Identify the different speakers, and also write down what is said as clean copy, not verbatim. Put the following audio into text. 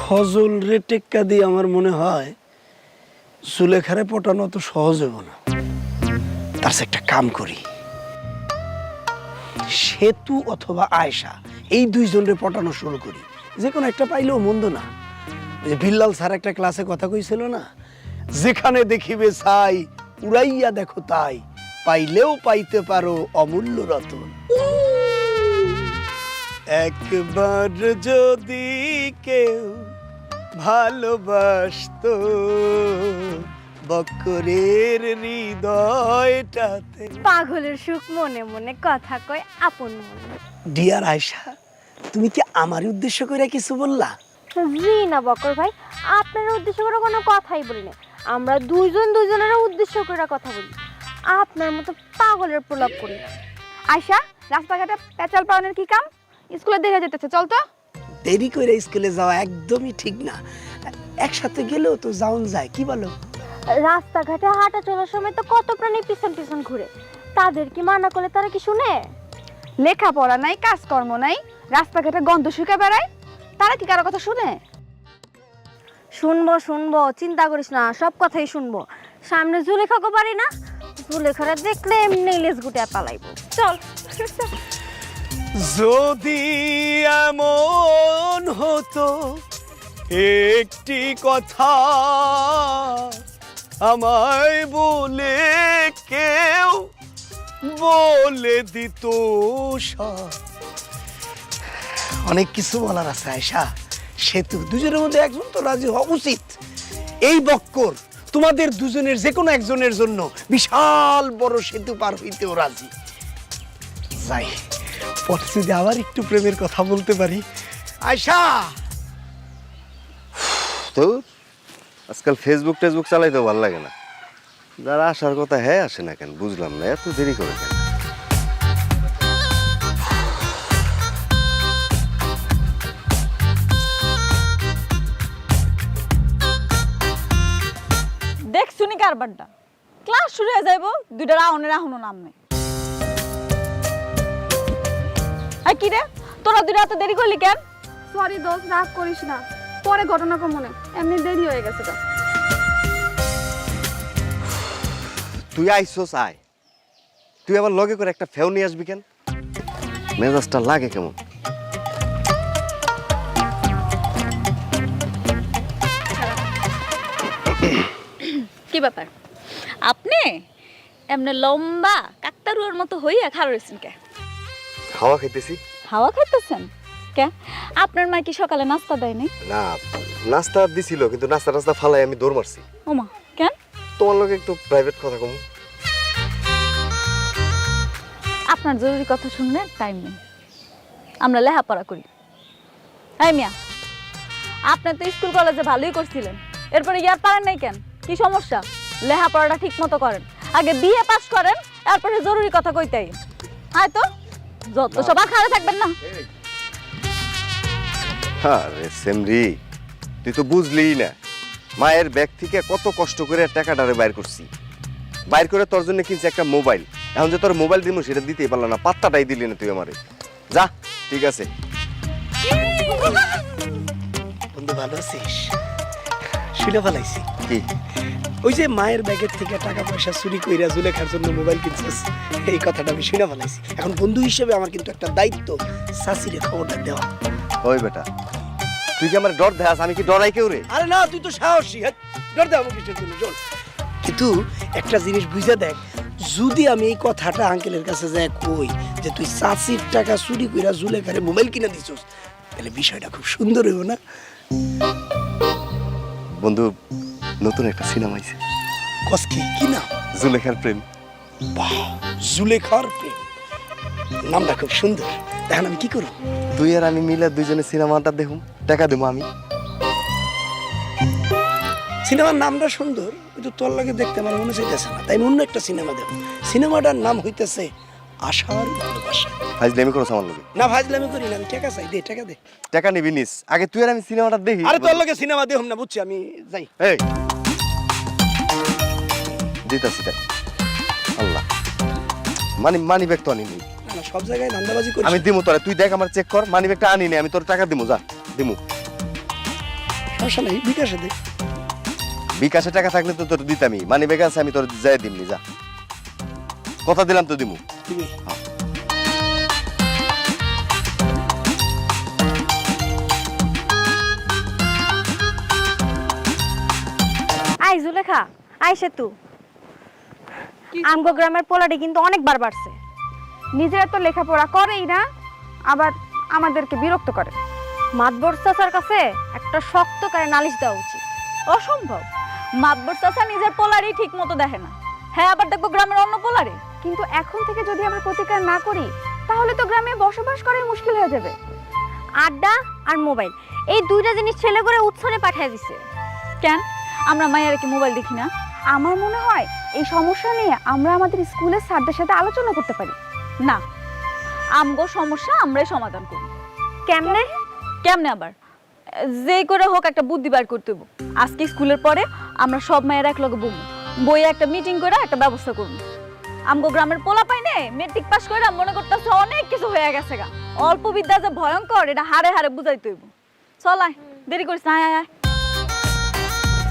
Speaker 1: ফজল রে টেক্কা দিয়ে আমার মনে হয় সুলেখারে পটানো তো সহজ হবে না। তার চেয়ে একটা কাম করি, সেতু অথবা আয়েশা এই দুইজনের পটানো শুরু করি। যে কোনো একটা পাইলেও মন্দ না। ওই যে বিল্লাল স্যার একটা ক্লাসে কথা কইছিল না, যেখানে দেখিবে ছাই উড়াইয়া দেখো তাই, পাইলেও পাইতে পারো অমূল্য রতন। একবার যদি কেউ ভালোবাসতো বক্করের হৃদয়টাতে।
Speaker 2: পাগলের সুখ মনে মনে কথা কয় আপন মনে।
Speaker 1: ডিয়ার আয়েশা, তুমি কি আমার উদ্দেশ্য করে কিছু বললা?
Speaker 2: জি না বকর ভাই, আপনার উদ্দেশ্য করে কোনো কথাই বলি না। আমরা দুইজন দুইজনের উদ্দেশ্য করে কথা বলি, আপনার মতো পাগলের প্রলাপ করি না। আয়শা, রাস্তাঘাটে পেঁচাল পাওয়ানোর কি কাম? স্কুলে দেরি যেতেছে, চল তো।
Speaker 1: দেরি করে স্কুলে যাওয়া একদমই ঠিক না, একসাথে গেলেও তো যাওন যায়, কি বলো?
Speaker 2: রাস্তাঘাটে হাঁটা চলার সময় তো কত প্রাণী পিছন পিছন ঘুরে, তাদের কি মানা করলে তারা কি শুনে? লেখাপড়া নাই, কাজকর্ম নাই, রাস্তাঘাটে গন্ধ শুকে বেড়ায়, তারা কি কারো কথা শুনে? শুনবো শুনবো, চিন্তা করিস না, সব কথাই শুনবো। সামনে জুলেখাকে পারি না, জুলেখারে দেখলে এমনি লেজ গুটে পালাইবো, চল।
Speaker 1: যদি এমন হতো একটি কথা আমায় বলে কেউ বলে দিত সব। অনেক কিছু বলার আছে আয়েশা, সেতু দুজনের মধ্যে একজন তো রাজি হওয়া উচিত। এই বক্কর তোমাদের দুজনের যে কোনো একজনের জন্য বিশাল বড় সেতু পার হইতেও রাজি। যাই, পরে যদি আবার একটু প্রেমের কথা বলতে পারি। আয়েশা,
Speaker 3: তো আজকাল ফেসবুক টেসবুক চালাইতে ভালো লাগে না। যারা আসার কথা হ্যাঁ আসে না কেন, বুঝলাম না, এত দেরি করে কেন?
Speaker 4: দেখ শুনি কারবারটা, ক্লাস শুরু হয়ে যাইব, দুইটা রাউন্ডের এখনো নাম নেই। আর কি রে, তোরা দুইটা এত দেরি করলি কেন?
Speaker 5: সরি দোস্ত, রাগ করিস না, পরে ঘটনা কম মনে, এমনি দেরি হয়ে গেছে তো।
Speaker 3: তুই আইসোস আয়, তুই আবার লগে করে একটা ফেউ নিয়ে আসবি কেন? মেজাজটা লাগে কেমন?
Speaker 4: কি ব্যাপার, আপনি এমনি লম্বা কাকতারুয়ার মতো হইয়া খারছেন কে?
Speaker 3: হাওয়া খাইতেছি।
Speaker 4: হাওয়া খাইতেছেন কে? আপনার মা কি সকালে নাস্তা দেয় নাই?
Speaker 3: না, নাস্তা দিছিল, কিন্তু নাস্তা টাস্তা ফালাই আমি দৌড় মারছি।
Speaker 4: ওমা, কেন?
Speaker 3: তোমার লগে একটু প্রাইভেট কথা কম।
Speaker 4: আপনার জরুরি কথা শুনলে টাইম নেই, আমরা লেখাপড়া করি। এই মিয়া, আপনি তো স্কুল কলেজে ভালোই করছিলেন, এরপরে ইয়ার পারেন নাই কেন? কি সমস্যা? লেখাপড়াটা ঠিক মতো করেন, আগে বিএ পাস করেন, তারপরে জরুরি কথা কইতেই। হয়তো যত সবার খারাপ থাকবেন না।
Speaker 3: আরে সেমরি, তুই তো বুঝলিই না, মায়ের ব্যাগ থেকে কত কষ্ট করে টাকাটারে বাইর করছি। বাইর করে তোর জন্য কিনছি একটা মোবাইল। এখন যে তোর মোবাইল দিব সেটা দিতেই পারলাম না, পাত্তাটাই দিলি না তুই আমারে। যা, ঠিক আছে।
Speaker 1: বন্ধু ভালো আছিস? শুনে ফেলাইছি
Speaker 3: কি?
Speaker 1: ওই যে মায়ের ব্যাগের থেকে টাকা পয়সা চুরি কইরা জুলেখার জন্য মোবাইল কিনছিস, এই কথাটা আমি শুনে ফেলাইছি। এখন বন্ধু হিসেবে আমার কিন্তু একটা দায়িত্ব, শাশিরে খবরটা দেওয়া।
Speaker 3: ওই বেটা, তুই কি আমার ডর দেখাস? আমি কি ডরাই কেউ রে?
Speaker 1: আরে না, তুই তো সাহসী, হ্যাঁ, ডর দেওয়া কিসের জন্য? চল। কিন্তু একটা জিনিস বুঝে দেখ, যদি আমি এই কথাটা আঙ্কেলের কাছে যাই কই যে তুই চাচির টাকা চুরি কইরা জুলেখারে মোবাইল কিনে দিছস, তাহলে বিষয়টা খুব সুন্দর হইব না?
Speaker 3: বন্ধু, নতুন একটা সিনেমা আইছে,
Speaker 1: কসকি কি নাম?
Speaker 3: জুলেখার প্রেম।
Speaker 1: বাহ, জুলেখার প্রেম, নামটা খুব সুন্দর। এখন আমি কি করব?
Speaker 3: তুই আর আমি মিলে দুইজনে সিনেমাটা দেখুম, টাকা দেবো আমি।
Speaker 1: সিনেমার নামটা সুন্দর, কিন্তু তোর লাগে দেখতে আমার মনে চাইতেছে না, তাই অন্য একটা সিনেমা দেব। সিনেমাটার নাম হইতেছে আশার ভালোবাসা।
Speaker 3: ফাজলামি করছ আমার লগে?
Speaker 1: না, ফাজলামি করি না, আমি টাকা চাই, দে টাকা দে।
Speaker 3: টাকা নিবি নিস, আগে তুই আর আমি সিনেমাটা দেখি।
Speaker 1: আরে তোর লগে সিনেমা দেখুম না, বুঝছি, আমি যাই।
Speaker 3: এই দিতাছি দেখ, আল্লাহ, মানি ব্যাগ তো আনি নি।
Speaker 1: না না, সব জায়গায় ধান্দাবাজি করিস।
Speaker 3: আমি দিমু তোরে, তুই দেখ, আমার চেক কর, মানি ব্যাগটা আনি নি, আমি তোর টাকা দিমু, যা দিমু।
Speaker 1: সমস্যা নেই, বিকাশে দে।
Speaker 3: বিকাশে টাকা থাকলে তো তোর দিতামই, মানি ব্যাগ আছে আমি তোর যাই দিমনি, যা কথা দিলাম তো দিমু।
Speaker 1: দিবি?
Speaker 2: আই জুলেখা, আই সেতু, আমগো গ্রামের পোলাটি কিন্তু অনেকবার বাড়ছে।
Speaker 5: নিজেরা তো লেখাপড়া করেই না, আবার আমাদেরকে বিরক্ত করে।
Speaker 2: মাতবর চাচার কাছে একটা শক্ত করে নালিশ দেওয়া উচিত।
Speaker 4: অসম্ভব, মাতবর চাচা নিজের পোলারই ঠিক মতো দেখে না, হ্যাঁ আবার দেখবো গ্রামের অন্য পোলারে।
Speaker 5: কিন্তু এখন থেকে যদি আমরা প্রতিকার না করি, তাহলে তো গ্রামে বসবাস করাই মুশকিল হয়ে যাবে।
Speaker 2: আড্ডা আর মোবাইল, এই দুইটা জিনিস ছেলে করে উৎসনে পাঠিয়ে দিছে।
Speaker 4: কেন আমরা মায়ের কি মোবাইল দেখি না?
Speaker 5: আমার মনে হয় এই সমস্যা নিয়ে আমরা আমাদের স্কুলের স্যারদের সাথে আলোচনা করতে পারি।
Speaker 4: না, আমগো সমস্যা আমরাই সমাধান করি।
Speaker 2: কেমনে?
Speaker 4: কেমনে আবার? যেই করে হোক একটা বুদ্ধি বার করতে হইব। আজকে স্কুলের পরে আমরা সব মায়ের এক লগে বমু, বইয়ে একটা মিটিং করে একটা ব্যবস্থা করবো। আমগো গ্রামের পোলা পাইনে মেট্রিক পাস করে মনে করতেছে অনেক কিছু হয়ে গেছে গা, অল্প বিদ্যা যে ভয়ঙ্কর এটা হারে হারে বুঝাইতে হইব। চল আয়, দেরি করিস না, আয় আয়।